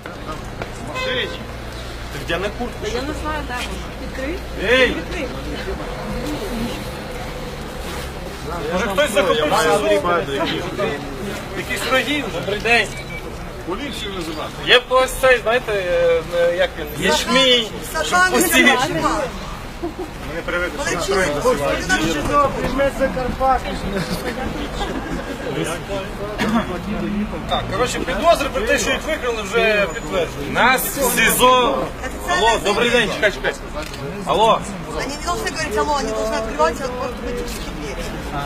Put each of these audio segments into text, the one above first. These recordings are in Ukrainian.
Где на куртку? Я не знаю, де вона. Відкрий. Ей! Відкрий. Може хтось захопив СІЗО? Якісь враги? Добрий день. Поліцію визивати. Є ось цей, знаєте, як він? Ячмінь. Пусті. Ми не привикли, що настроєння Так, коротше, підозри про те, що їх викрали, вже підтверджені. Нас в СІЗО. Алло, добрий день, чекай. Алло. Они не должны говорить алло, они должны открывать автоматические двери.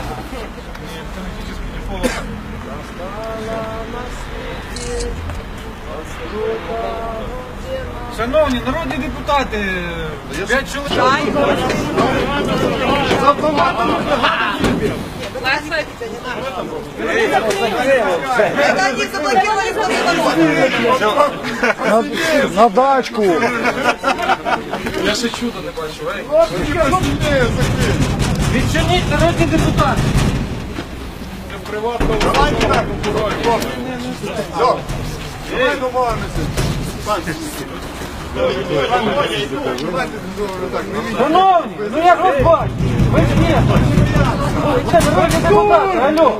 Шановні народні депутати, 5 чоловік. Это они заблокировали второй ворот. На дачку. Я ще чудо не бачу, Відчиніть народні депутати. Давай домовимося. Шановні, ну як вас бачите? Ви ж ні. Це народні депутати, алло.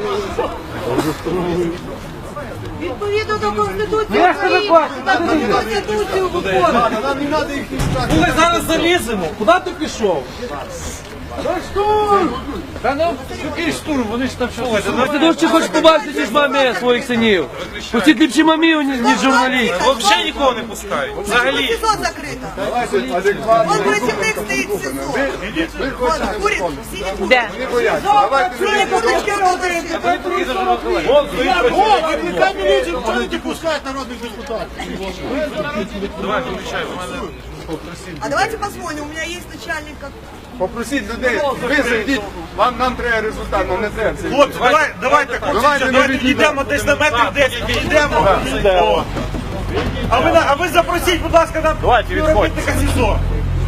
Відповідно до Конституції Ну, як це ви бачите? України, Конституцію виконують. Нам не треба їх не Ми зараз заліземо. Куди ти пішов? Штурм! Та ну, який штурм? Вони ж там що? Ти дуже хочеш побачити, ніж мамі своїх синів. Пустіть ліпші мамів, ніж журналістів. Взагалі нікого не пускають. Взагалі. СИЗО закрыто. Вон противник стоит в СИЗО. Вот, курит, сидит. Де? Синяя курточка розовая. Викликай міліцію, чого не пускають народних депутатів? Давай, включай. А давайте посмотрим, у меня есть начальник как... Попросіть людей, ви зайдіть, нам треба результат, нам не треба. Хлопці, давайте, давайте йдемо десь на метрів 10, йдемо. А ви запросіть, будь ласка, нам співробітника СІЗО.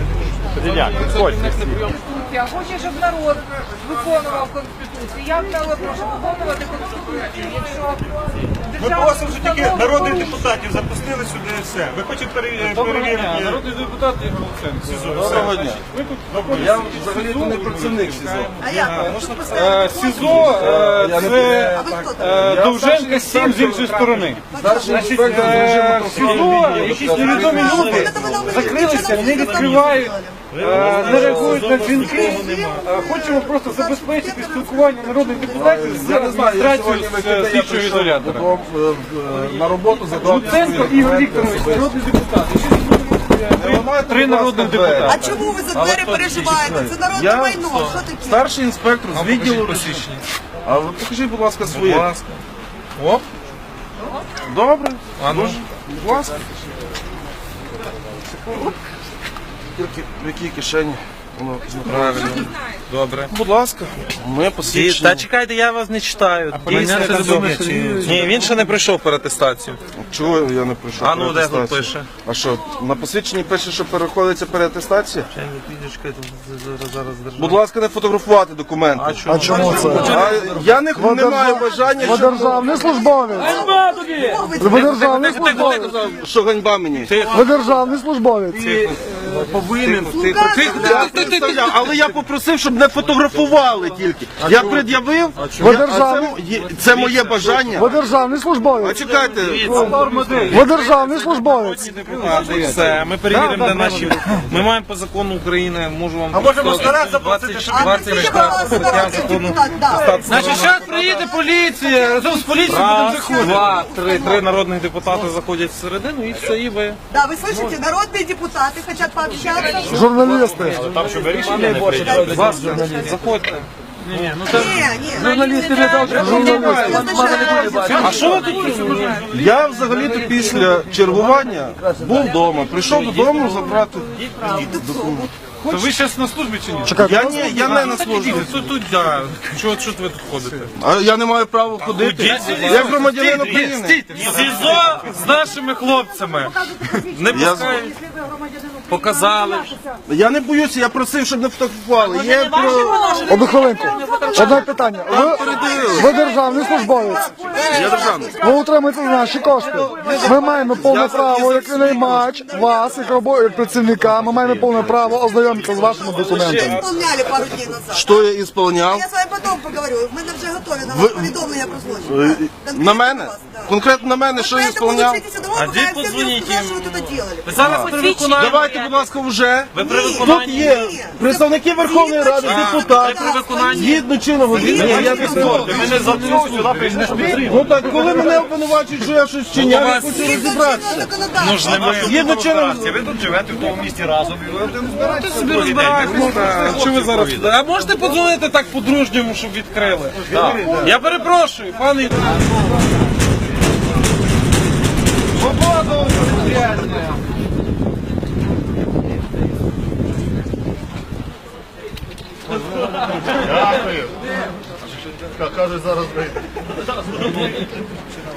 Я хочу, щоб народ виконував Конституцію. Я прошу виконувати Конституцію. Якщо Ми просимо, що тільки народних депутатів запустили сюди і все. Ви хочете перевірити? Народний депутат Ігор Луценко. СІЗО. Доброго дня. Я взагалі не працівник СІЗО. А я? Тут поставили СІЗО це А вы кто там? Довженка 7 з іншої сторони. Старший Інспектор з режиму СІЗО, якісь невідомі люди закрилися, не відкривають, не реагують на дзвінки. Хочемо просто забезпечити спілкування народних депутатів з адміністрацією слідчого ізолятора. На роботу Луценко Ігор Вікторович, народний депутат. Три народних депутати. А чому ви за двері переживаєте? Це народне майно. Що таке? Старший інспектор з відділу посвідчення. А ви покажіть, будь ласка, своє. Будь ласка. Оп. Добре. Будь ласка. Тільки в якій кишені? Воно правильно. Добре. Будь ласка. Ми посвідчення. Та чекайте, я вас не читаю. Ні, він ще не пройшов переатестацію. Чого я не пройшов? А ну, де переатестацію? тут пише? А що, на посвідченні пише, що переходиться переатестація? Будь ласка, не фотографувати документи. А чому це? Я не маю бажання, Ви державний службовець. Ви державний службовець. що ганьба мені. Ви державний службовець. Повинен. Але я попросив, щоб не фотографували тільки. Я пред'явив, Ви державний, це моє бажання. ви державний А службовець. чекайте, Ви державний службовець. Все, ми перевіримо, де наші. Ми маємо по закону України, можу вам. А можемо старатися заплатити, щоб А скажіть, будь ласка, народний депутат, да. Значить, зараз приїде поліція, разом з поліцією будемо заходити. Два, три народних депутати заходять всередину і все, і ви. Да, вы слышите, народные депутаты хотят пообщаться. Журналісти. Заходьте. Не, Журналісти не А що ви тут? я взагалі-то після чергування був вдома. Прийшов додому забрати документи. То ви зараз на службі чи ні? Я не на службі. Тут, да. Чого ви тут ходите? А я не маю права ходити. Я громадянин України. СІЗО з нашими хлопцями. Не пускають. Показали. Я не боюся, я просив, щоб не фотографували. Є про... Одну хвилинку. Одне питання. Ви державний службовець. Я державний. Ви утримуєте за наші кошти. Ми маємо повне право, як наймач, вас, як працівника, ми маємо повне право ознайомитися з вашими документами. Исполняли пару дней назад. Що я ісполняв? Я с вами потом поговорю. В мене вже готові на вас повідомлення про злочин. На мене? Конкретно на мене, що я ісполняв? А де позвоніть їм? Що ви тут делали? Ви зараз при виконанні. Давайте, будь ласка, вже. Ви при Тут виконанні. є представники Верховної Ради, депутати. При виконанні. Згідно чинного Ні, я не згоден. Мене за цього сюди прийшли. Ну так, коли мене обвинувачують, що я щось вчиняв, я хочу розібратися. Ну ж немає. Згідно чинного... Ви тут живете в тому місті разом і ви один збираєтеся. Собі розбираєтесь. Що ви зараз? А можете подзвонити так по-дружньому, щоб відкрили? Я перепрошую, пане. Свободу! Дякую. Каже, зараз вийде.